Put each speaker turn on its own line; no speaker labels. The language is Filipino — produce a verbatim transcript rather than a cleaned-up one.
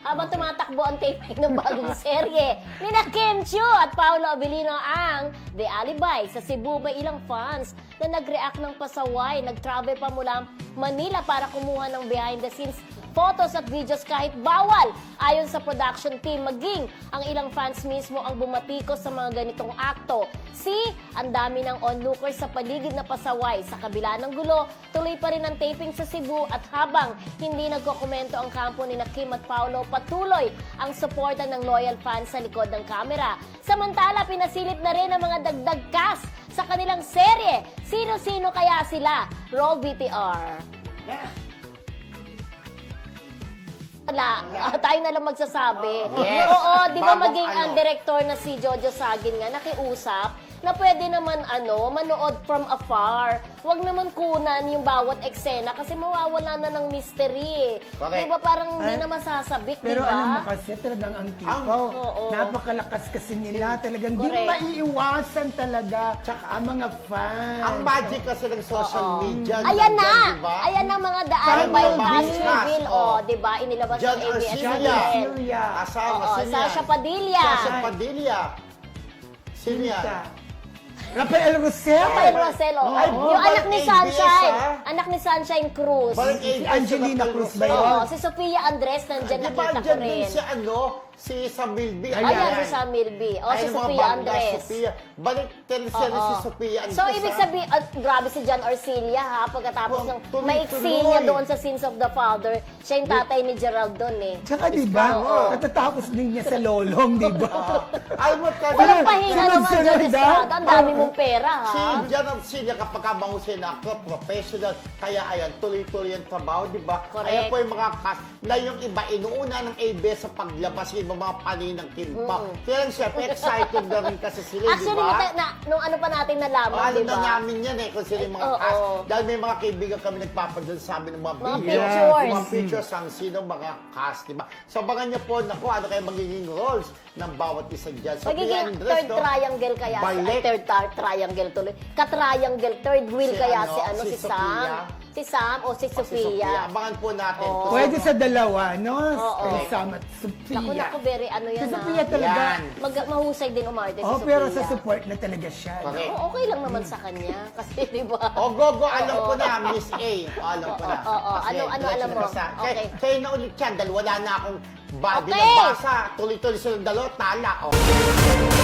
habang tumatakbo ang taping ng bagong serye. Nina Kim Chiu at Paolo Abilino ang The Alibi. Sa Cebu, may ilang fans na nag-react ng pasaway. Nag-travel pa mula Manila para kumuha ng behind-the-scenes photos at videos kahit bawal. Ayon sa production team, maging ang ilang fans mismo ang bumatikos sa mga ganitong akto. See, ang dami ng onlookers sa paligid na pasaway. Sa kabila ng gulo, tuloy pa rin ang taping sa Cebu at habang hindi nagkokomento ang kampo ni Kim at Paolo, patuloy ang suporta ng loyal fans sa likod ng kamera. Samantala, pinasilip na rin ang mga dagdag cast sa kanilang serye. Sino-sino kaya sila? Roll V T R. Wala. Ah, tayo na lang magsasabi.
Yes.
Oo, di ba
Bagong
maging
ano.
ang director na si Jojo Sagin nga nakiusap na pwede naman ano, manood from afar. Huwag naman kunan yung bawat eksena kasi mawawala na ng mystery.
Correct.
Di ba parang hindi
Ay,
na masasabik, di
Pero
ba?
alam mo kasi, talagang ang tipo,
Ang-
oo.
napakalakas kasi nila. Talagang di
Correct.
maiiwasan talaga ang mga fans.
Ang magic kasi ng social
Oo.
media.
Ayan na!
nandyan, diba?
Ayan na mga The
Parang
Alibi
mga
cast
business.
reveal.
Oh.
Oh, di ba? Inilabas
John
ng A B S
Arcilla.
C N.
Arcilla.
Asawa,
Oo,
sino
Sasha
yan?
Padilla.
Sasha Padilla. Sino yan?
Sinta. Rafael Rosel.
Rafael Roselo.
Ay,
yung
balik
anak ni
A B S,
Sunshine.
ah.
Anak ni Sunshine Cruz.
Balik
Si
A B S,
Angelina
Rafael
Cruz ba
Rosel.
yun?
Oo, si Sofia Andres nandyan
Di ba
nakita ko
andyan din
rin.
si ano? Si Samilby.
Ayan, si Sam Milby. O, si
Ay, mga
Sofia
bangga,
Andres.
Sofia. Balik teleserye
Oo.
si Sofia Andres.
So, ibig
ah.
sabihin, at grabe si John Orcilla ha, pagkatapos
Oh,
ng
tuloy-tuloy.
maiksi niya doon sa Sins of the Father, siya yung tatay ni Gerald doon eh.
Tsaka di ba,
Oo.
natatapos din niya sa lolong, di ba?
Alam mo, talaga,
Walang pahinga naman,
sunod-sunod,
John
ah.
Estrada. Ang dami mong pera ha.
Si Jan Arcilla, kapag kamahusay na ako, professional, kaya ayan, tuloy-tuloy ang trabaho, di ba?
Correct.
Ayan po yung mga cast na yung iba, inuuna ng A B S sa paglabas, yung ibang mga paninang kimpa. Kaya lang syempre, excited na rin kasi sila, di
Actually,
ba?
na, na, nung ano pa natin nalaman,
Alam
di
na
ba?
namin yan eh, kung sino yung mga
Oo.
cast. Dahil may mga kaibigan kami nagpapadala sa amin ng mga,
Mga
video.
pictures.
Mga pictures ang sino mga cast, di ba? So, abangan niyo po, naku, ano kaya magiging roles ng bawat isa dyan. So,
Magiging third triangle kaya si, ay,
Balik.
third tar- triangle tuloy. Ka-triangle, third wheel
Si
kaya
ano,
si ano,
si
si,
Sofia.
Sam. Si Sam o si
Si Sophia.
Sofia.
Abangan po natin.
Oo.
Kung
Pwede
sino-
sa dalawa, no?
Oo.
Kay Sam at Sophia.
Naku, naku, very ano
Si
yan
Sophia
ah.
talaga.
Yan.
Mag, mahusay din umarte si
Oh,
Sofia.
pero sa support na talaga siya. no?
Correct.
Oo, okay lang naman sa kanya. Kasi, di ba?
O, go, go. Alam ko na, Miss A. O, alam ko na.
Oo, oo.
Kasi,
Ano, ano,
diretso
alam
na
mo?
basa.
Okay.
Kaya, kaya na ulit yan, dahil wala na akong body
Okay.
na basa. Tuloy-tuloy silang dalawa, tala. O.